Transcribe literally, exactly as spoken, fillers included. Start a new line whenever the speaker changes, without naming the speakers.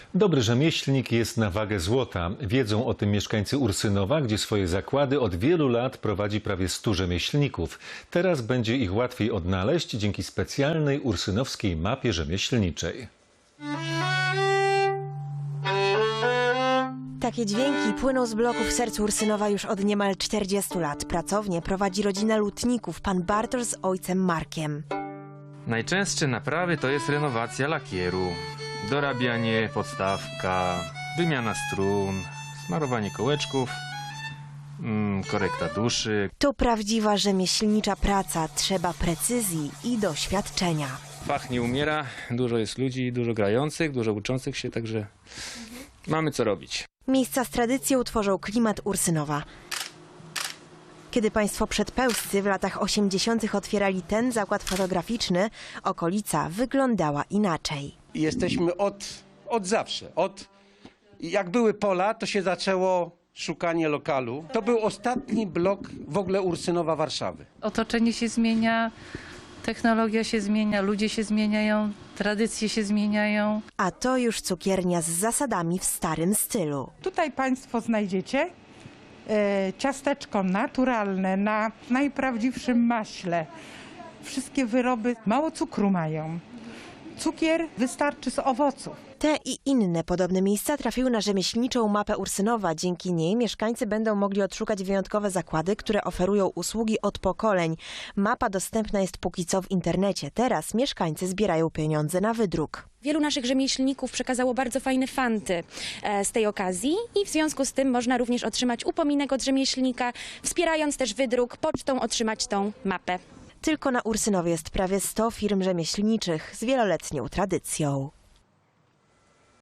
Dobry rzemieślnik jest na wagę złota. Wiedzą o tym mieszkańcy Ursynowa, gdzie swoje zakłady od wielu lat prowadzi prawie stu rzemieślników. Teraz będzie ich łatwiej odnaleźć dzięki specjalnej ursynowskiej mapie rzemieślniczej.
Takie dźwięki płyną z bloku w sercu Ursynowa już od niemal czterdziestu lat. Pracownię prowadzi rodzina lutników, pan Bartosz z ojcem Markiem.
Najczęstsze naprawy to jest renowacja lakieru, dorabianie, podstawka, wymiana strun, smarowanie kołeczków, mm, korekta duszy.
To prawdziwa rzemieślnicza praca. Trzeba precyzji i doświadczenia.
Fach nie umiera, dużo jest ludzi, dużo grających, dużo uczących się, także mamy co robić.
Miejsca z tradycją tworzą klimat Ursynowa. Kiedy państwo przedpełscy w latach osiemdziesiątych otwierali ten zakład fotograficzny, okolica wyglądała inaczej.
Jesteśmy od, od zawsze. Od, jak były pola, to się zaczęło szukanie lokalu. To był ostatni blok w ogóle Ursynowa Warszawy.
Otoczenie się zmienia, technologia się zmienia, ludzie się zmieniają, tradycje się zmieniają.
A to już cukiernia z zasadami w starym stylu.
Tutaj Państwo znajdziecie e, ciasteczko naturalne na najprawdziwszym maśle. Wszystkie wyroby mało cukru mają. Cukier wystarczy z owoców.
Te i inne podobne miejsca trafiły na rzemieślniczą mapę Ursynowa. Dzięki niej mieszkańcy będą mogli odszukać wyjątkowe zakłady, które oferują usługi od pokoleń. Mapa dostępna jest póki co w internecie. Teraz mieszkańcy zbierają pieniądze na wydruk.
Wielu naszych rzemieślników przekazało bardzo fajne fanty z tej okazji i w związku z tym można również otrzymać upominek od rzemieślnika, wspierając też wydruk, pocztą otrzymać tą mapę.
Tylko na Ursynowie jest prawie sto firm rzemieślniczych z wieloletnią tradycją.